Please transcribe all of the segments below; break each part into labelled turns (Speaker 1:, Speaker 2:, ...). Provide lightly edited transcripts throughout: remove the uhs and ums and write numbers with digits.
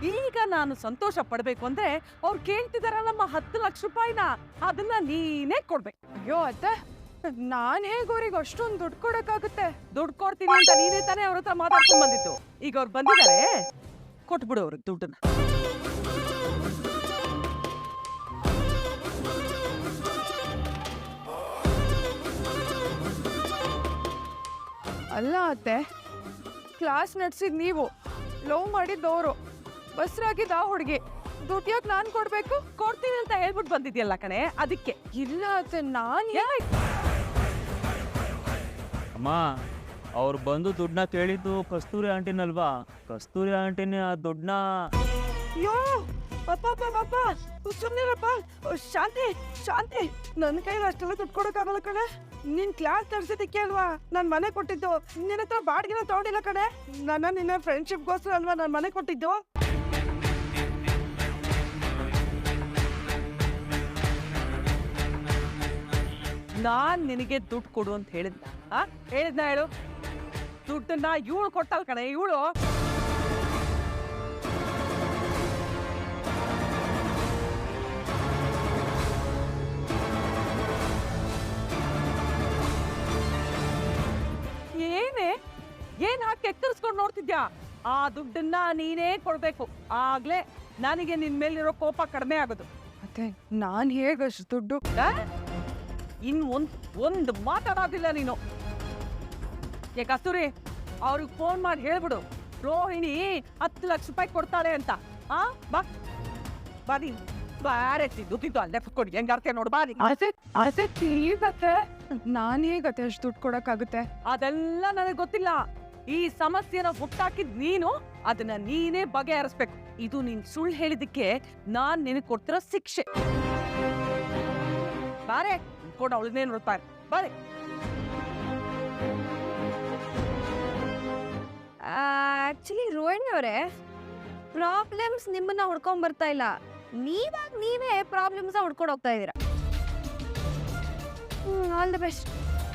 Speaker 1: ಈಗ ನಾನು ಸಂತೋಷ ಪಡ್ಬೇಕು ಅಂದ್ರೆ ಅವ್ರು ಕೇಳ್ತಿದಾರಲ್ಲಮ್ಮ 10 ಲಕ್ಷ ರೂಪಾಯಿನ, ಅದನ್ನ ನೀನೇ ಕೊಡ್ಬೇಕು.
Speaker 2: ಅಯ್ಯೋ ಅತ್ತೆ, ನಾನ್ ಹೇಗ್ ಅವ್ರಿಗೆ ಅಷ್ಟೊಂದು ದುಡ್ಡು ಕೊಡಕ್ಕಾಗುತ್ತೆ?
Speaker 1: ದುಡ್ಡು ಕೊಡ್ತೀನಿ ಅಂತ ನೀನೇ ತಾನೇ ಅವ್ರ ಹತ್ರ ಮಾತಾಡ್ಕೊಂಡ್ ಬಂದಿತ್ತು. ಈಗ ಅವ್ರು ಬಂದಿದ್ದಾರೆ, ಕೊಟ್ಬಿಡು ಅವ್ರಿಗೆ ದುಡ್ಡನ್ನ.
Speaker 2: ಅಲ್ಲ ಅತ್ತೆ, ಕ್ಲಾಸ್ ನಡೆಸಿದ್ ನೀವು, ಲವ್ ಮಾಡಿದ್ದವರು, ಬಸ್ರಾಗಿದ್ದ ಆ ಹುಡುಗಿ, ದುಡ್ಡು ಯಾಕೆ ನಾನು ಕೊಡ್ಬೇಕು?
Speaker 1: ಕೊಡ್ತೀನಿ ಅಂತ ಹೇಳ್ಬಿಟ್ಟು ಬಂದಿದ್ಯಲ್ಲ ಕಣೆ, ಅದಕ್ಕೆ.
Speaker 2: ಇಲ್ಲ ಅತ್ತೆ, ನಾನು
Speaker 3: ಅಮ್ಮ, ಅವ್ರು ಬಂದು ದುಡ್ಡನ್ನ ಕೇಳಿದ್ದು ಕಸ್ತೂರಿ ಆಂಟಿನಲ್ವಾ? ಕಸ್ತೂರಿ ಆಂಟಿನೇ ಆ ದುಡ್ಡನ್ನ.
Speaker 1: ಅಯ್ಯೋ ಅಪ್ಪ ಸುಮ್ಮನಿರಪ್ಪ. ಶಾಂತಿ ಶಾಂತಿ, ನನ್ನ ಕೈಲಿ ಅಷ್ಟೆಲ್ಲ ದುಡ್ಡು ಕೊಡೋಕ್ಕಾಗಲ್ಲ ಕಣೆ. ನಿನ್ ಕ್ಲಾಸ್ ನಡೆಸಿದ್ದಕ್ಕೆ ಅಲ್ವಾ ನಾನು ಮನೆ ಕೊಟ್ಟಿದ್ದು. ನಿನ್ನ ಹತ್ರ ಬಾಡಿಗೆನ ತಗೊಂಡಿಲ್ಲ ಕಣೆ. ನಿನ್ನ ಫ್ರೆಂಡ್ಶಿಪ್ಗೋಸ್ಕರ ಅಲ್ವಾ ನಾನು ಮನೆ ಕೊಟ್ಟಿದ್ದು. ನಾನ್ ನಿನಗೆ ದುಡ್ಡು ಕೊಡು ಅಂತ ಹೇಳಿದ್ನ ಹೇಳು. ದುಡ್ಡನ್ನ ಇವಳು ಕೊಟ್ಟಲ್ ಕಣೆ, ಇವಳು. ಏನ್ ಹಾಕಿ ಎಕ್ಕರಿಸ್ಕೊಂಡು ನೋಡ್ತಿದ್ಯಾ? ಆ ದುಡ್ಡನ್ನ ನೀನೇ ಕೊಡ್ಬೇಕು, ಆಗ್ಲೇ ನನಗೆ ನಿನ್ ಮೇಲಿರೋ ಕೋಪ ಕಡಿಮೆ ಆಗೋದು.
Speaker 2: ಅತ್ತೆ, ನಾನ್ ಹೇಗಷ್ಟು ದುಡ್ಡು?
Speaker 1: ಇನ್ ಒಂದು ಮಾತಾಡೋದಿಲ್ಲ ನೀನು. ಕಸ್ತೂರಿ, ಅವ್ರಿಗೆ ಫೋನ್ ಮಾಡಿ ಹೇಳ್ಬಿಡು, ರೋಹಿಣಿ 10 ಲಕ್ಷ ರೂಪಾಯಿ ಕೊಡ್ತಾಳೆ ಅಂತ. ಬಾ ನೀನು ಬಾರೆ ದುಡ್ಡಿದ್ದು ಅಲ್ಲೇ ಕುತ್ಕೊಂಡು ಹೆಂಗಾರ್ತೆ ನೋಡು. ಬಾ
Speaker 2: ನಾನ್ ಹೇಗತ್ತೆ ಅಷ್ಟು ದುಡ್ಡು ಕೊಡಕ್ಕಾಗುತ್ತೆ?
Speaker 1: ಅದೆಲ್ಲ ನನಗೆ ಗೊತ್ತಿಲ್ಲ. ಈ ಸಮಸ್ಯೆನ ಹುಟ್ಟಾಕಿದ್ ನೀನು, ಅದನ್ನ ನೀನೇ ಬಗೆಹರಿಸ್ಬೇಕು. ಇದು ನೀನ್ ಸುಳ್ಳು ಹೇಳಿದಕ್ಕೆ ನಾನ್ ನಿನಗೆ ಕೊಡ್ತಿರೋ ಶಿಕ್ಷೆ. ಬಾರೆ ಕೂಡ ಅವಳನ್ನೇ ನೋಡ್ತಾರೆ. ಬಾರೆ.
Speaker 4: ಆಕ್ಚುಲಿ ರೋಹಿಣಿ ಅವರೇ, ಪ್ರಾಬ್ಲಮ್ಸ್ ನಿಮ್ಮನ್ನ ಹುಡ್ಕೊಂಡ್ ಬರ್ತಾ ಇಲ್ಲ, ನೀವೇ ಪ್ರಾಬ್ಲಮ್ಸ್ ಹುಡ್ಕೊಂಡು ಹೋಗ್ತಾ ಇದ್ದೀರಾ. All the best.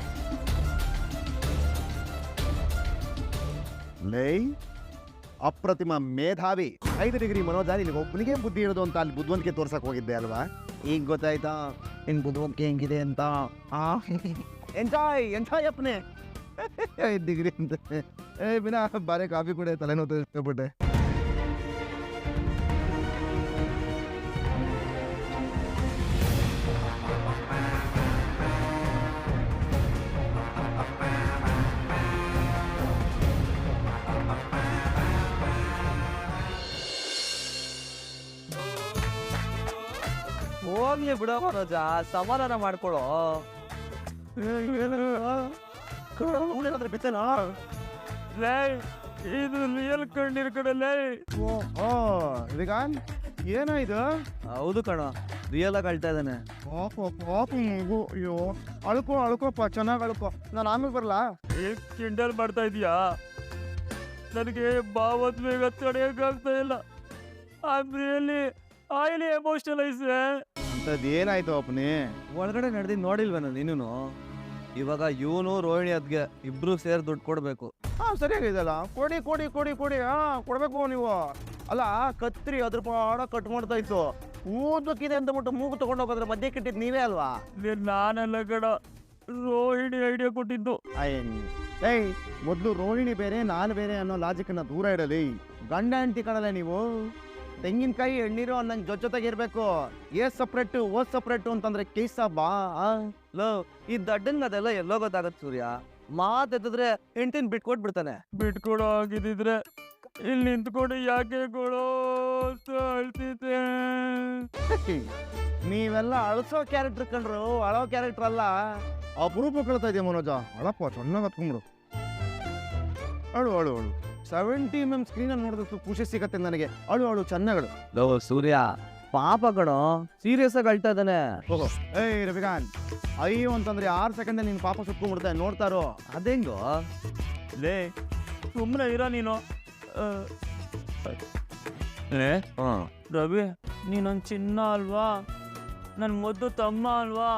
Speaker 5: ಲೈ ಅಪ್ರತಿಮ ಮೇಧಾವಿ 5 ಡಿಗ್ರಿ ಮನೋಜ, ನಿನಗೆ ಒಬ್ಬನಿಗೆ ಬುದ್ಧಿ ಇರೋದು ಅಂತ ಅಲ್ಲಿ ಬುದ್ಧಿವಂತಿಕೆ ತೋರ್ಸಕ್ ಹೋಗಿದ್ದೆ ಅಲ್ವಾ? ಈಗ ಗೊತ್ತಾಯ್ತಾ ನಿನ್ ಬುದ್ಧಿವಂತಿಕೆ ಹೆಂಗಿದೆ ಅಂತ? ಎಂಜಾಯ್ ಅಪ್ಪನೆ. 5 ಡಿಗ್ರಿ ಅಂತ ಬಿನಾ ಬಾರೆ ಕಾಫಿ ಕೂಡ ತಲೆನೋವು ಇಷ್ಟಪಟ್ಟೆ.
Speaker 3: ಹೋಗ್ಲಿ ಬಿಡೋ ಮನೋಜ, ಸಮಾಧಾನ ಮಾಡ್ಕೊಳೋ.
Speaker 5: ಬಿತ್ತನಾ
Speaker 3: ಇದು ರಿಯಲ್ ಕಣ್ಣೀರ್ ಕಡಲೇ.
Speaker 5: ಏನಾಯ್ತು?
Speaker 3: ಹೌದು ಕಣ, ರಿಯಲ್ ಆಗಿ ಅಳ್ತಾ ಇದ್ದಾನೆ.
Speaker 5: ಅಯ್ಯೋ, ಅಳ್ಕೋಪ್ಪ, ಚೆನ್ನಾಗಿ ಅಳ್ಕೋ. ನಾನು ಆಮೇಲೆ ಬರ್ಲಾ?
Speaker 3: ಕಿಂಡಲ್ ಮಾಡ್ತಾ ಇದೀಯಾ? ನನಗೆ ಭಾವೋದ್ವೇಗ ತಡೆಯೋಕ್ಕಾಗ್ತಾ ಇಲ್ಲ. ಆಯ್ಲಿ ಎಮೋಷನಲೈಸ್.
Speaker 5: ಅಂತದ್ ಏನಾಯ್ತು ಅಪ್ಪನಿ?
Speaker 3: ಒಳಗಡೆ ನಡೆದಿದ್ದು ನೋಡಿಲ್ವೇನ ನೀನು? ಇವಾಗ ಇವನು ರೋಹಿಣಿ ಅದ್ಗೆ ಇಬ್ರು ಸೇರಿ ದುಡ್ಡು ಕೊಡ್ಬೇಕು.
Speaker 5: ಸರಿಯಾಗಿದೆಲ್ಲ. ಕೊಡಿ ಕೊಡ್ಬೇಕು ನೀವು. ಅಲ್ಲ, ಕತ್ರಿ ಅದ್ರ ಪಾಡ ಕಟ್ ಮಾಡ್ತಾ ಇತ್ತು. ಊದಕ್ಕಿದೆ ಅಂತ ಬಿಟ್ಟು ಮೂಗು ತಗೊಂಡು ಹೋಗೋದ್ರ ಮಧ್ಯೆ ಕಿಟ್ಟಿದ್ ನೀವೇ ಅಲ್ವಾ?
Speaker 3: ನಾನೆಲ್ಲ ಕಡ, ರೋಹಿಣಿ ಐಡಿಯಾ ಕೊಟ್ಟಿದ್ದು.
Speaker 5: ಮೊದ್ಲು ರೋಹಿಣಿ ಬೇರೆ ನಾನು ಬೇರೆ ಅನ್ನೋ ಲಾಜಿಕ್ ದೂರ ಇಡಲಿ. ಗಂಡ ಹೆಂಡತಿ ಕಣಲ್ಲ ನೀವು. ತೆಂಗಿನಕಾಯಿ ಎಣ್ಣೀರು ಅನ್ನಂಗೆ ಜೊತೆಗಿರ್ಬೇಕು. ಸಪ್ರೇಟ್ ಸಪ್ರೇಟ್ ಅಂತಂದ್ರೆ ಕೇಸ ಬಾ.
Speaker 3: ಈ ದಡ್ಡನ್ ಅದೆಲ್ಲ ಎಲ್ಲೋ ಗೊತ್ತಾಗತ್ತೆ ಸೂರ್ಯ. ಮಾತೆತ್ತಿದ್ರೆ ಹೆಂಡತಿನ ಬಿಟ್ಕೊಟ್ಬಿಡ್ತಾನೆ. ಬಿಟ್ಕೊಡೋ ಆಗಿದ್ರೆ ಇಲ್ಲಿ ನಿಂತ್ಕೊಂಡು ಯಾಕೆ ಕೊಡೋ ಅಳ್ತಿದ್ದೆ.
Speaker 5: ನೀವೆಲ್ಲ ಅಳ್ಸೋ ಕ್ಯಾರೆಕ್ಟರ್ ಕಂಡ್ರು, ಅಳೋ ಕ್ಯಾರೆಕ್ಟರ್ ಅಲ್ಲ. ಅಪರೂಪ ಕೇಳ್ತಾ ಇದೆಯಾ ಮನೋಜ? ಅಳಪ್ಪ, ಚೆನ್ನಾಗಿ ಹತ್ಕೊಂಡ್ಬಿಡು. ಅಳು 70 mm ಸ್ಕ್ರೀನ್ ನೋಡಿದಷ್ಟು ಖುಷಿ ಸಿಗತ್ತೆ ನನಗೆ. ಅಳು ಚೆನ್ನಾಗಳು.
Speaker 3: ಸೂರ್ಯ ಪಾಪ ಕಣೋ, ಸೀರಿಯಸ್ ಆಗಿ ಅಳ್ತಾ ಇದ್ದಾನೆ.
Speaker 5: ರವಿಕಾಂತ್, ಅಯ್ಯೋ ಅಂತಂದ್ರೆ 6 ಸೆಕೆಂಡ್ ನಿನ್ ಪಾಪ ಸುಟ್ಕೊಂಡ್ಬಿಡ್ತಾರೆ. ನೋಡ್ತಾರೋ
Speaker 3: ಅದೆಂಗೋ ಲೇ, ಸುಮ್ಮನೆ ಇರೋ ನೀನು. ರವಿ, ನೀನೊಂದು ಚಿನ್ನ ಅಲ್ವಾ? ನನ್ ಮುದ್ದು ತಮ್ಮ ಅಲ್ವಾ?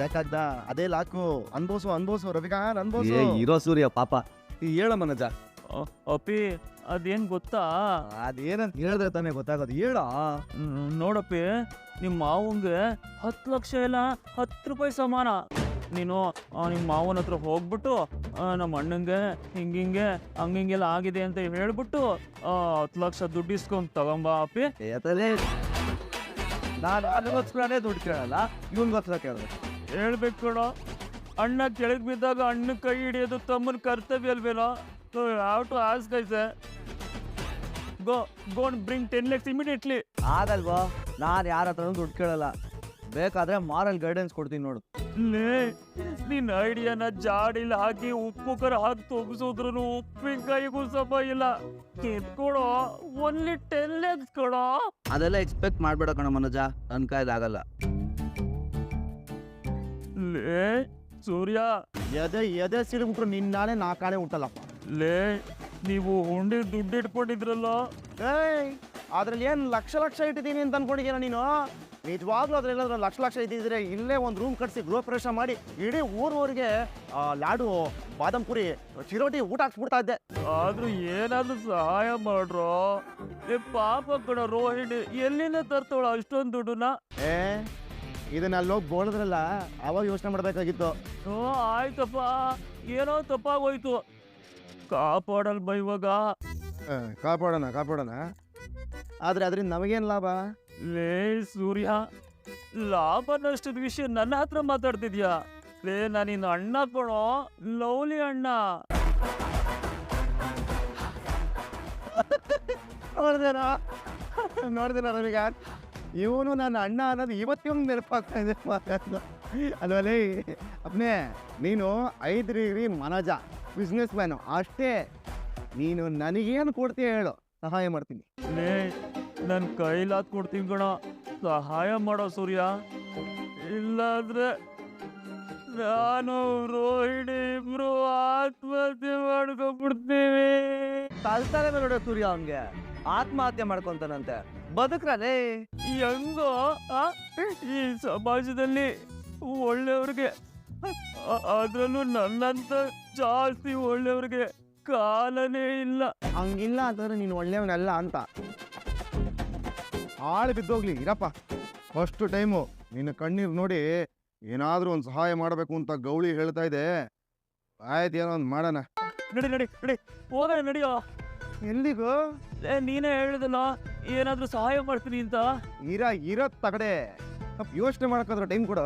Speaker 5: ಅದೇ ಲಾಕು. ಅನ್ಬೋಸು ರವಿಕಾಂತ್, ಅನ್ಬೋಸು.
Speaker 3: ಇರೋ ಸೂರ್ಯ ಪಾಪ. ಹೇಳ ಮನೋಜ, ಅಪ್ಪಿ ಅದೇನು ಗೊತ್ತಾ?
Speaker 5: ಅದೇನಂತ ಹೇಳಿದ್ರೆ ತಾನೇ ಗೊತ್ತಾಗೋದು, ಹೇಳ.
Speaker 3: ನೋಡಪ್ಪಿ, ನಿಮ್ಮ ಮಾವಂಗೆ 10 ಲಕ್ಷ ಇಲ್ಲ 10 ರೂಪಾಯಿ ಸಮಾನ. ನೀನು ನಿಮ್ಮ ಮಾವನ ಹತ್ರ ಹೋಗ್ಬಿಟ್ಟು ನಮ್ಮ ಅಣ್ಣಂಗೆ ಹಿಂಗಿಂಗೆ ಹಂಗಿಂಗೆಲ್ಲ ಆಗಿದೆ ಅಂತ ಹೇಳ್ಬಿಟ್ಟು 10 ಲಕ್ಷ ದುಡ್ಡು ಇಸ್ಕೊಂಡು ತಗೊಂಬ ಅಪ್ಪಿ.
Speaker 5: ನಾನು ಅದಕ್ಕೋಸ್ಕರನೇ ದುಡ್ಡು ಕೇಳಲ್ಲ, ಇವನ್ಗೋಸ್ಕರ ಕೇಳಿದೆ.
Speaker 3: ಹೇಳ್ಬೇಕು ಕಣೋ, ಅಣ್ಣ ಕೆಳಗೆ ಬಿದ್ದಾಗ ಅಣ್ಣ ಕೈ ಹಿಡಿಯೋದು ತಮ್ಮನ ಕರ್ತವ್ಯ ಅಲ್ವೇನೋ? Have to ask I sir. Go and bring 10 lakhs immediately.
Speaker 5: ಆಗಲ್ವಾ? ನಾನು ಯಾರ ಹತ್ರನೂ ದುಡ್ಡು ಕೇಳಲ್ಲ, ಬೇಕಾದ್ರೆ ಮಾರಲ್ ಗೈಡೆನ್ಸ್ ಕೊಡ್ತೀನಿ ನೋಡು.
Speaker 3: ನಿನ್ನ ಐಡಿಯಾನ ಜಾಡಿಲಿ ಹಾಕಿ ಉಪ್ಪು ಖಾರ ಹಾಕಿ ತೊಗಸಿದ್ರು ಉಪ್ಪಿನಕಾಯಿಗೂ ಸಮ ಇಲ್ಲ. ಕಿತ್ಕೊಡೋ, ಓನ್ಲಿ 10 lakhs ಕೊಡೋ.
Speaker 5: ಅದೆಲ್ಲ ಎಕ್ಸ್ಪೆಕ್ಟ್ ಮಾಡ್ಬೇಡ ಕಣ ಮನೋಜ, ನನ್ನ ಕೈಲಾಗಲ್ಲ.
Speaker 3: ಲೇ ಸೂರ್ಯ,
Speaker 5: ಎದೆ ಸಿಡಿಬಿಟ್ರು ನಿನ್ನಾಳೆ ನಾಕಾಣೆ ಉಂಟಲ್ಲಪ್ಪ.
Speaker 3: ಲೇ ನೀವು ಹುಂಡಿ ದುಡ್ಡು ಇಟ್ಕೊಂಡಿದ್ರಲ್ಲ,
Speaker 5: ಅದ್ರಲ್ಲಿ ಏನು ಲಕ್ಷ ಲಕ್ಷ ಇಟ್ಟಿದ್ದೀನಿ ಅಂತ ಅನ್ಕೊಂಡಿದ್ದೀನ ನೀನು? ನಿಜವಾಗ್ಲೂ ಅದ್ರೆಲ್ಲಾದ್ರೂ ಲಕ್ಷ ಇದ್ದಿದ್ರೆ ಇಲ್ಲೇ ಒಂದು ರೂಮ್ ಕಟ್ಸಿ ಗೃಹ ಪ್ರವೇಶ ಮಾಡಿ ಇಡೀ ಊರಿಗೆ ಲಾಡು, ಬಾದಾಮ್ ಪುರಿ, ಚಿರೋಟಿ ಊಟ ಹಾಕ್ಸ್ಬಿಡ್ತಾ ಇದ್ದೆ.
Speaker 3: ಆದ್ರೂ ಏನಾದ್ರೂ ಸಹಾಯ ಮಾಡ್ರೋ. ಏ ಪಾಪ ಕಣ ರೋಹಿಣಿ, ಎಲ್ಲಿಂದ ತರ್ತವಳ ಅಷ್ಟೊಂದು ದುಡ್ಡನ್ನ?
Speaker 5: ಇದನ್ನ ಅಲ್ಲೋಗಿ ಬೋಳಿದ್ರಲ್ಲ, ಅವಾಗ ಯೋಚನೆ ಮಾಡ್ಬೇಕಾಗಿತ್ತು.
Speaker 3: ಆಯ್ತಪ್ಪ, ಏನೋ ತಪ್ಪಾಗೋಯ್ತು. ಕಾಪಾಡಲ್ ಇವಾಗ.
Speaker 5: ಕಾಪಾಡೋಣ. ಆದ್ರೆ ಅದರಿಂದ ನಮಗೇನು ಲಾಭ?
Speaker 3: ಲೇ ಸೂರ್ಯ, ಲಾಭ ನಷ್ಟದ ವಿಷಯ ನನ್ನ ಹತ್ರ ಮಾತಾಡ್ತಿದ್ಯಾ? ಲೇ ನಾನಿನ್ನ ಅಣ್ಣ ಕಣೋ, ಲವ್ಲಿ ಅಣ್ಣ.
Speaker 5: ನೋಡ್ದೇನ ನಮಗೆ ಇವನು ನನ್ನ ಅಣ್ಣ ಅನ್ನೋದು ಇವತ್ತಿನ ನೆನಪಾಗ್ತಾ ಇದೆ ಅಲ್ವಲೇ? ಅಪ್ನೇ, ನೀನು 5 ಡಿಗ್ರಿ ಮನೋಜ, ಬಿಸ್ನೆಸ್ ಮ್ಯಾನು ಅಷ್ಟೇ. ನೀನು ನನಗೇನು ಕೊಡ್ತೀಯ ಹೇಳು, ಸಹಾಯ ಮಾಡ್ತೀನಿ.
Speaker 3: ಲೇ ನನ್ನ ಕೈಲಾದ್ ಕೊಡ್ತೀನಿ ಕಣ, ಸಹಾಯ ಮಾಡೋ ಸೂರ್ಯ. ಇಲ್ಲಾಂದ್ರೆ ನಾನು ರೋಹಿಣಿ ಇಬ್ರು ಆತ್ಮಹತ್ಯೆ ಮಾಡ್ಕೊಂಡ್ಬಿಡ್ತೀವಿ.
Speaker 5: ಕಲ್ತಾರೆ ನೋಡೋ ಸೂರ್ಯ, ಅವನ್ಗೆ ಆತ್ಮಹತ್ಯೆ ಮಾಡ್ಕೊಂತಾನಂತೆ. ಬದುಕ್ರಲೇ
Speaker 3: ಹೆಂಗೋ ಈ ಸಮಾಜದಲ್ಲಿ ಒಳ್ಳೆಯವ್ರಿಗೆ, ಅದ್ರಲ್ಲೂ ನನ್ನಂತ ಜಾಸ್ತಿ ಒಳ್ಳೆಯವ್ರಿಗೆ ಕಾಲನೇ ಇಲ್ಲ.
Speaker 5: ಹಂಗಿಲ್ಲ ಅಂತಂದ್ರೆ ನೀನು ಒಳ್ಳೆಯವನಲ್ಲ ಅಂತ. ಆಳು ಬಿದ್ದೋಗ್ಲಿ ಇರಪ್ಪ. ಫಸ್ಟ್ ಟೈಮು ನಿನ್ನ ಕಣ್ಣೀರು ನೋಡಿ ಏನಾದರೂ ಒಂದು ಸಹಾಯ ಮಾಡಬೇಕು ಅಂತ ಗೌಳಿ ಹೇಳ್ತಾ ಇದೆ. ಆಯ್ತು, ಏನೋ ಒಂದು ಮಾಡೋಣ.
Speaker 3: ನಡಿ ಹೋಗೋಣ, ನಡಿಯೋ.
Speaker 5: ಎಲ್ಲಿಗೂ?
Speaker 3: ನೀನೇ ಹೇಳಿದಲ್ಲ ಏನಾದ್ರೂ ಸಹಾಯ ಮಾಡ್ತೀನಿ ಅಂತ.
Speaker 5: ಇರತ್ ತಗಡೆ, ಯೋಚನೆ ಮಾಡಕ್ಕಾದ್ರೆ ಟೈಮ್ ಕೊಡು.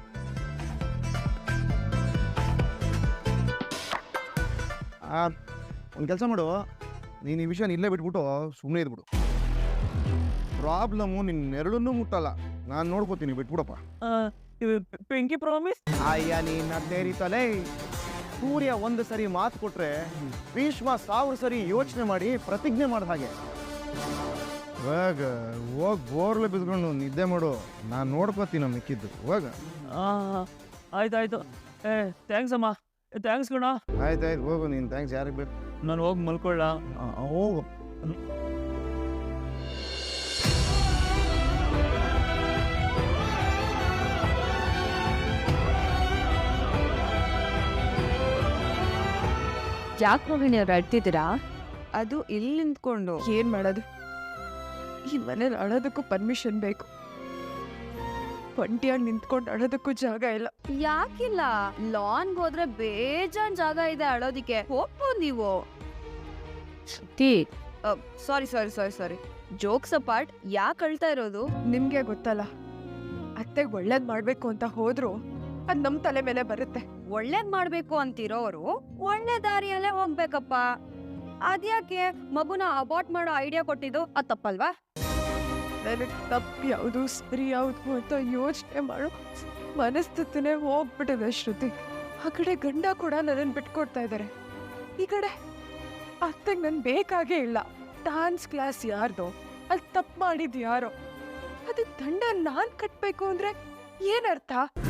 Speaker 5: ಒಂದು ಕೆಲಸ ಮಾಡು, ನೀನು ಈ ವಿಷಯನ ಇಲ್ಲೇ ಬಿಟ್ಬಿಟ್ಟು ಸುಮ್ಮನೆ ಇದ್ಬಿಡು. ಪ್ರಾಬ್ಲಮ್ಮು ನಿನ್ನೆರಡನ್ನೂ ಮುಟ್ಟಲ್ಲ, ನಾನು ನೋಡ್ಕೋತೀನಿ, ಬಿಟ್ಬಿಡಪ್ಪ.
Speaker 3: Pinky promise?
Speaker 5: ಅಯ್ಯ ನೀನು ಅದೇ ರೀತಲೇ. ಸೂರ್ಯ ಒಂದು ಸರಿ ಮಾತು ಕೊಟ್ರೆ ಭೀಷ್ಮ 1000 ಸರಿ ಯೋಚನೆ ಮಾಡಿ ಪ್ರತಿಜ್ಞೆ ಮಾಡಿದ ಹಾಗೆ. ಇವಾಗ ಹೋಗಿ ಬೋರ್ಲೆ ಬಿದ್ಕೊಂಡು ನಿದ್ದೆ ಮಾಡು, ನಾನು ನೋಡ್ಕೋತೀನಿ ಮಿಕ್ಕಿದ್ದು. ಇವಾಗ
Speaker 3: ಆಯ್ತಾಯ್ತು. ಥ್ಯಾಂಕ್ಸ್ ಅಮ್ಮ, ಥ್ಯಾಂಕ್ಸ್ ಕಣ.
Speaker 5: ಆಯ್ತಾಯ್ತು, ಹೋಗು ನೀನು. ಥ್ಯಾಂಕ್ಸ್ ಯಾರಿಗೆ ಬೇಕು?
Speaker 3: ನಾನು ಹೋಗಿ ಮಲ್ಕೊಳ್ಳ.
Speaker 5: ಹೋಗು.
Speaker 4: ಯಾಕೆ ರೋಹಿಣಿ ಅವ್ರು ಅಳ್ತಿದ್ದೀರಾ?
Speaker 2: ಅದು ಇಲ್ಲಿ ನಿಂತ್ಕೊಂಡು ಏನ್ ಮಾಡೋದು? ಈ ಮನೇಲಿ ಅಳೋದಕ್ಕೂ ಪರ್ಮಿಷನ್ ಬೇಕು, ಒಂಟಿಯಾಗಿ ನಿಂತ್ಕೊಂಡು ಅಳೋದಕ್ಕೂ ಜಾಗ ಇಲ್ಲ.
Speaker 4: ಯಾಕಿಲ್ಲ? ಲಾನ್ಗೆ ಹೋದ್ರೆ ಬೇಜಾನ್ ಜಾಗ ಇದೆ ಅಳೋದಿಕ್ಕೆ, ಹೋಗ್ಬೋದು ನೀವು. ಸಾರಿ ಜೋಕ್ಸ್ ಅಪಾರ್ಟ್, ಯಾಕೆ ಅಳ್ತಾ ಇರೋದು?
Speaker 2: ನಿಮ್ಗೆ ಗೊತ್ತಲ್ಲ, ಅತ್ತೆಗೆ ಒಳ್ಳೇದ್ ಮಾಡ್ಬೇಕು ಅಂತ ಹೋದ್ರು ಅದ್ ನಮ್ ತಲೆ ಮೇಲೆ ಬರುತ್ತೆ.
Speaker 4: ಒಳ್ಳೇದ್ ಮಾಡ್ಬೇಕು ಅಂತಿರೋರು ಒಳ್ಳೆ ದಾರಿಯಲ್ಲೇ ಹೋಗ್ಬೇಕಪ್ಪ. ಅದ್ಯಾಕೆ ಮಗುನ ಅಬಾರ್ಟ್ ಮಾಡೋ ಐಡಿಯಾ ಕೊಟ್ಟಿದ್ದು? ಅದ್ ತಪ್ಪಲ್ವಾ?
Speaker 2: ನನಗೆ ತಪ್ಪು ಯಾವುದು ಸರಿ ಯಾವುದು ಅಂತ ಯೋಚನೆ ಮಾಡೋ ಮನಸ್ಥಿತಿನೇ ಹೋಗ್ಬಿಟ್ಟಿದೆ ಶ್ರುತಿ. ಆ ಕಡೆ ಗಂಡ ಕೂಡ ನನ್ನನ್ನು ಬಿಟ್ಕೊಡ್ತಾ ಇದ್ದಾರೆ, ಈ ಕಡೆ ಅತ್ತೆಗೆ ನನ್ ಬೇಕಾಗೇ ಇಲ್ಲ. ಡಾನ್ಸ್ ಕ್ಲಾಸ್ ಯಾರ್ದೋ, ಅಲ್ಲಿ ತಪ್ಪು ಮಾಡಿದ್ ಯಾರೋ, ಅದಕ್ಕೆ ದಂಡ ನಾನ್ ಕಟ್ಬೇಕು ಅಂದ್ರೆ ಏನರ್ಥ?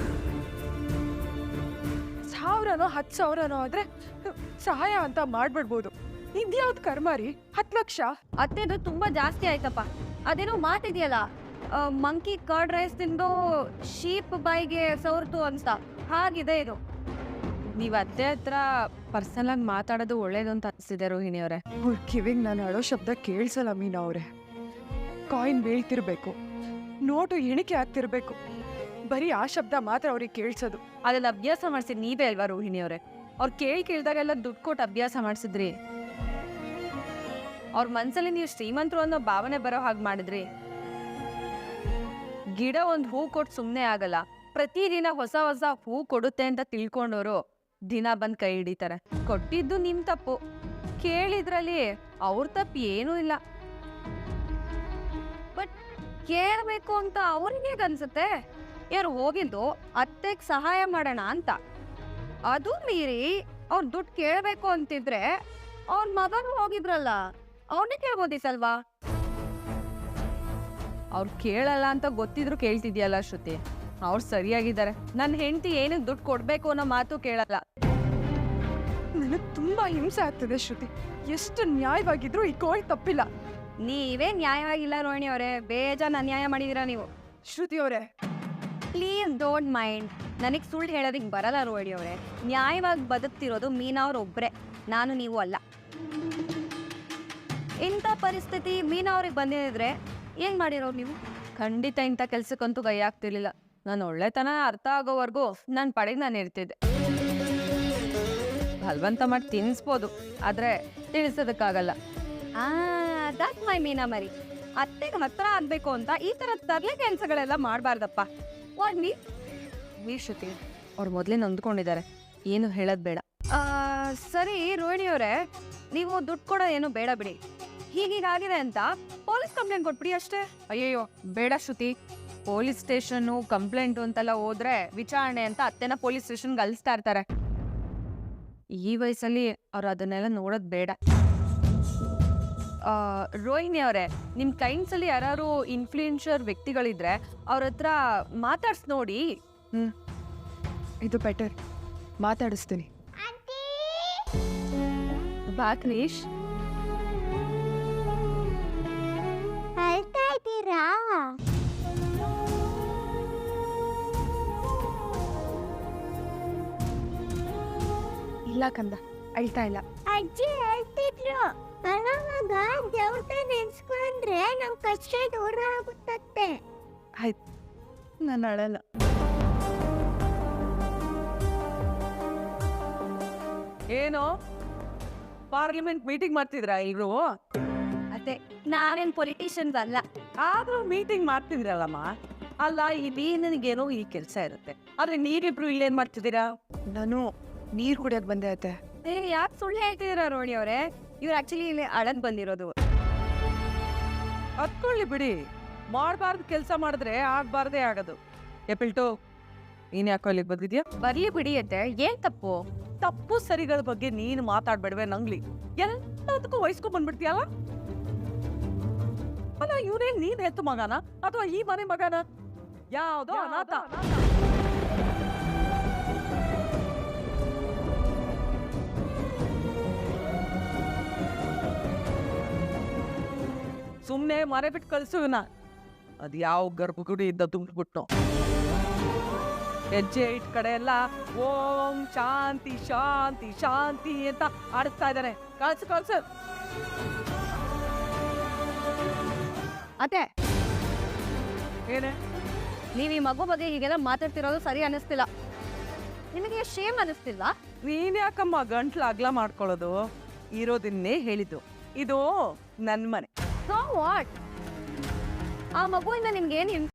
Speaker 2: 1000ನೋ 10,000ನೋ ಆದ್ರೆ ಸಹಾಯ ಅಂತ ಮಾಡ್ಬಿಡ್ಬೋದು. ಇದ್ಯಾವ್ದು ಕರ್ಮಾರಿ 10 ಲಕ್ಷ?
Speaker 4: ಅತ್ತೆದು ತುಂಬಾ ಜಾಸ್ತಿ ಆಯ್ತಪ್ಪ. ಅದೇನೋ ಮಾತಿದೆಯಲ್ಲ, ಮಂಕಿ ಕರ್ಡ್ ರೈಸ್ ತಿಂದು ಶೀಪ್ ಬಾಯಿಗೆ ಸವರ್ತು ಅನ್ಸ್ತಾ, ಹಾಗಿದೆ ಇದು. ನೀವ್ ಅತ್ತೆ ಹತ್ರ ಪರ್ಸನಲ್ ಆಗಿ ಮಾತಾಡೋದು ಒಳ್ಳೇದು ಅಂತ ಅನಿಸ್ತಿದೆ ರೋಹಿಣಿ ಅವರೇ.
Speaker 2: ಅವ್ರ ಕಿವಿಗೆ ನಾನು ಅಳೋ ಶಬ್ದ ಕೇಳಿಸಲ್ಲ ಮೀನಾ ಅವರೇ. ಕಾಯಿನ್ ಬೀಳ್ತಿರ್ಬೇಕು, ನೋಟು ಎಣಿಕೆ ಆಗ್ತಿರ್ಬೇಕು, ಬರೀ ಆ ಶಬ್ದ ಮಾತ್ರ ಅವ್ರಿಗೆ ಕೇಳಿಸೋದು.
Speaker 4: ಅದೆಲ್ಲ ಅಭ್ಯಾಸ ಮಾಡಿಸಿದ್ ನೀವೇ ಅಲ್ವಾ ರೋಹಿಣಿ ಅವರೇ? ಅವ್ರು ಕೇಳಿದಾಗೆಲ್ಲ ದುಡ್ಡು ಕೊಟ್ಟು ಅಭ್ಯಾಸ ಮಾಡಿಸಿದ್ರಿ. ಅವ್ರ ಮನ್ಸಲ್ಲಿ ನೀವು ಶ್ರೀಮಂತರು ಅನ್ನೋ ಭಾವನೆ ಬರೋ ಹಾಗೆ ಮಾಡಿದ್ರಿ. ಗಿಡ ಒಂದು ಹೂ ಕೊಟ್ಟು ಸುಮ್ಮನೆ ಆಗಲ್ಲ, ಪ್ರತಿದಿನ ಹೊಸ ಹೊಸ ಹೂ ಕೊಡುತ್ತೆ ಅಂತ ತಿಳ್ಕೊಂಡವರು ದಿನ ಬಂದ್ ಕೈ ಹಿಡಿತಾರೆ. ಕೊಟ್ಟಿದ್ದು ನಿಮ್ ತಪ್ಪು, ಕೇಳಿದ್ರಲ್ಲಿ ಅವ್ರ ತಪ್ಪು ಏನೂ ಇಲ್ಲ. ಬಟ್ ಕೇಳಬೇಕು ಅಂತ ಅವ್ರಿಗೆ ಅನ್ಸುತ್ತೆ. ಯಾರು ಹೋಗಿದ್ದು ಅತ್ತೆಗೆ ಸಹಾಯ ಮಾಡೋಣ ಅಂತ, ಅದು ಮೀರಿ ಅವ್ರ ದುಡ್ಡು ಕೇಳಬೇಕು ಅಂತಿದ್ರೆ ಅವ್ರ ಮಗನು ಹೋಗಿದ್ರಲ್ಲ, ಅವನೇ ಕೇಳ್ಬೋದಿಸಲ್ವಾ? ಅವ್ರು ಕೇಳಲ್ಲ ಅಂತ ಗೊತ್ತಿದ್ರು ಕೇಳ್ತಿದ್ಯಲ್ಲ ಶ್ರುತಿ. ಅವ್ರು ಸರಿಯಾಗಿದ್ದಾರೆ. ನನ್ನ ಹೆಂಡತಿ ಏನಕ್ಕೆ ದುಡ್ಡು ಕೊಡ್ಬೇಕು ಅನ್ನೋ ಮಾತು ಕೇಳಲ್ಲ.
Speaker 2: ನನಗೆ ತುಂಬಾ ಹಿಂಸೆ ಆಗ್ತದೆ ಶ್ರುತಿ. ಎಷ್ಟು ನ್ಯಾಯವಾಗಿದ್ರು ಈ ಕೋಳಿ ತಪ್ಪಿಲ್ಲ.
Speaker 4: ನೀವೇ ನ್ಯಾಯವಾಗಿಲ್ಲ ರೋಹಿಣಿ ಅವರೇ, ಬೇಜಾನ್ ಅನ್ಯಾಯ ಮಾಡಿದೀರಾ ನೀವು.
Speaker 2: ಶ್ರುತಿ ಅವರೇ,
Speaker 4: ಪ್ಲೀಸ್ ಡೋಂಟ್ ಮೈಂಡ್. ನನಗೆ ಸುಳ್ಳು ಹೇಳೋದಕ್ಕೆ ಬರಲ್ಲ ರೋಹಿಣಿ ಅವರೇ. ನ್ಯಾಯವಾಗಿ ಬದುಕ್ತಿರೋದು ಮೀನಾ ಅವ್ರೊಬ್ರೆ, ನಾನು ನೀವು ಅಲ್ಲ. ಇಂಥ ಪರಿಸ್ಥಿತಿ ಮೀನಾ ಅವ್ರಿಗೆ ಬಂದಿದ್ರೆ ಏನ್ ಮಾಡಿರೋರು ನೀವು? ಖಂಡಿತ ಇಂಥ ಕೆಲ್ಸಕ್ಕಂತೂ ಕೈ ಆಗ್ತಿರ್ಲಿಲ್ಲ. ನಾನು ಒಳ್ಳೆತನ ಅರ್ಥ ಆಗೋವರೆಗೂ ನನ್ನ ಪಡೆಗೆ ನಾನು ಇರ್ತಿದ್ದೆ. ಬಲವಂತ ಮಾಡಿ ತಿನ್ನಿಸ್ಬೋದು, ಆದ್ರೆ ತಿಳಿಸೋದಕ್ಕಾಗಲ್ಲ. ದಟ್ ಮೈ ಮೀನಾ ಮರಿ. ಅತ್ತೆಗೆ ಹತ್ರ ಆಗ್ಬೇಕು ಅಂತ ಈ ತರ ತರ್ಲೆ ಕೆಲಸಗಳೆಲ್ಲ ಮಾಡಬಾರ್ದಪ್ಪ. ಶ್ರುತಿ ಅವ್ರು ಮೊದಲೇ ನೊಂದ್ಕೊಂಡಿದ್ದಾರೆ, ಏನು ಹೇಳೋದು ಬೇಡ. ಸರಿ ರೋಹಿಣಿ ಅವರೇ, ನೀವು ದುಡ್ಡು ಕೊಡೋ ಏನು ಬೇಡ ಬಿಡಿ. ಹೀಗೀಗಾಗಿದೆ ಅಂತ ಪೊಲೀಸ್ ಕಂಪ್ಲೇಂಟ್ ಕೊಟ್ಬಿಡಿ ಅಷ್ಟೇ. ಅಯ್ಯಯ್ಯೋ ಬೇಡ ಶ್ರುತಿ. ಪೊಲೀಸ್ ಸ್ಟೇಷನ್ನು ಕಂಪ್ಲೇಂಟು ಅಂತೆಲ್ಲ ಹೋದ್ರೆ ವಿಚಾರಣೆ ಅಂತ ಅತ್ತೆನ ಪೊಲೀಸ್ ಸ್ಟೇಷನ್ಗೆ ಅಲಿಸ್ತಾ ಇರ್ತಾರೆ. ಈ ವಯಸ್ಸಲ್ಲಿ ಅವ್ರು ಅದನ್ನೆಲ್ಲ ನೋಡೋದು ಬೇಡ. ರೋಹಿಣಿ ಅವರೇ, ನಿಮ್ಮ ಕ್ಲೈಂಟ್ಸಲ್ಲಿ ಯಾರು ಇನ್ಫ್ಲೂಯೆನ್ಷಿಯರ್ ವ್ಯಕ್ತಿಗಳಿದ್ರೆ ಅವ್ರ ಹತ್ರ ಮಾತಾಡ್ಸಿ ನೋಡಿ.
Speaker 2: ಇದು ಬೆಟರ್, ಮಾತಾಡಿಸ್ತೀನಿ.
Speaker 4: ಬಾ ಕ್ರೀಶ್.
Speaker 6: ಅಳ್ತಾ ಇದ್ದೀರಾ?
Speaker 2: ಇಲ್ಲ ಕಂದ, ಅಳ್ತಾ ಇಲ್ಲ.
Speaker 6: ಅಜ್ಜಿ ಹೇಳ್ತಿದ್ರು, ಅಳವಾಗ ದೇವ್ರನ್ನ ನೆನ್ಸ್ಕೊಂಡ್ರೆ ನಮ್ ಕಷ್ಟ ದೂರ ಆಗುತ್ತತ್ತೆ.
Speaker 2: ಆಯ್ತು, ನಾನು ಅಳಲ್ಲ.
Speaker 1: ಏನು ಪಾರ್ಲಿಮೆಂಟ್ ಮೀಟಿಂಗ್ ಮಾಡ್ತಿದ್ರಾ ಇವ್ರು?
Speaker 4: ಅದೇ ನಾವೇನ್ ಪೊಲಿಟಿಷಿಯನ್ಸ್ ಅಲ್ಲ.
Speaker 1: ಆದ್ರೂ ಮೀಟಿಂಗ್ ಮಾಡ್ತಿದ್ರಲ್ಲಮ್ಮ. ಅಲ್ಲ, ಇಲ್ಲಿ ನನಗೇನೋ ಈ ಕೆಲಸ ಇರುತ್ತೆ, ಆದ್ರೆ ನೀವಿಬ್ರು ಇಲ್ಲೇನ್ ಮಾಡ್ತಿದ್ದೀರಾ?
Speaker 2: ನಾನು ನೀರು ಕುಡಿಯೋಕೆ ಬಂದೆ ಅತ್ತೆ.
Speaker 4: ಯಾಕೆ ಸುಳ್ಳು ಹೇಳ್ತಿದ್ದೀರಾ ರೋಹಿಣಿ ಅವರೇ? ಇವ್ರು ಆಕ್ಚುಲಿ ಇಲ್ಲಿ ಅಳದ್ ಬಂದಿರೋದು.
Speaker 1: ಹತ್ಕೊಳ್ಳಿ ಬಿಡಿ, ಮಾಡಬಾರ್ದು ಕೆಲಸ ಮಾಡಿದ್ರೆ ಆಗ್ಬಾರ್ದೇ ಆಗೋದು. ಎಪಿಲ್ಟು, ನೀನ್ ಯಾಕೋ ಇಲ್ಲಿಗೆ ಬಂದಿದ್ಯಾ?
Speaker 4: ಬರ್ಲಿ ಬಿಡಿ ಅತ್ತೆ, ಏನ್ ತಪ್ಪು?
Speaker 1: ತಪ್ಪು ಸರಿಗಳ ಬಗ್ಗೆ ನೀನು ಮಾತಾಡ್ಬೇಡ್ವೆ ನಂಗ್ಲಿ. ಎಲ್ಲದಕ್ಕೂ ವಹಿಸ್ಕೊಂಡ್ ಬಂದ್ಬಿಡ್ತೀಯಲ್ಲ. ಅಲ್ಲ, ಇವನೇ ನೀನ್ ಹೆತ್ತು ಮಗನ ಅಥವಾ ಈ ಮನೆ ಮಗನ? ಯಾವ್ದೋ ಅನಾಥ. ಸುಮ್ನೆ ಮನೆ ಬಿಟ್ಟು ಕಳ್ಸು ಇವ್ನ. ಅದ್ ಯಾವ ಗರ್ಭಗುಡಿ ಇದ್ದ ತುಂಬಿಟ್ಬಿಟ್ಟು ಹೆಜ್ಜೆ ಇಟ್ ಕಡೆ ಎಲ್ಲ ಓಂ ಶಾಂತಿ ಶಾಂತಿ ಶಾಂತಿ ಅಂತ ಆಡಿಸ್ತಾ ಇದ್ದಾನೆ. ಕಳ್ಸು ಕಳ್ಸು.
Speaker 4: ಅತ್ತೆ,
Speaker 1: ಏನೇ
Speaker 4: ನೀವ್ ಈ ಮಗು ಬಗ್ಗೆ ಹೀಗೆಲ್ಲ ಮಾತಾಡ್ತಿರೋದು ಸರಿ ಅನಿಸ್ತಿಲ್ಲ. ನಿಮಗೆ ಶೇಮ್ ಅನಿಸ್ತಿಲ್ಲ?
Speaker 1: ನೀನ್ ಯಾಕಮ್ಮ ಗಂಟ್ಲು ಅಗ್ಲ ಮಾಡ್ಕೊಳ್ಳೋದು? ಇರೋದನ್ನೇ ಹೇಳಿದ್ದು, ಇದು ನನ್ ಮನೆ.
Speaker 4: So what? ಆ ಮಗುವಿಂದ ನಿಮ್ಗೆ ಏನ್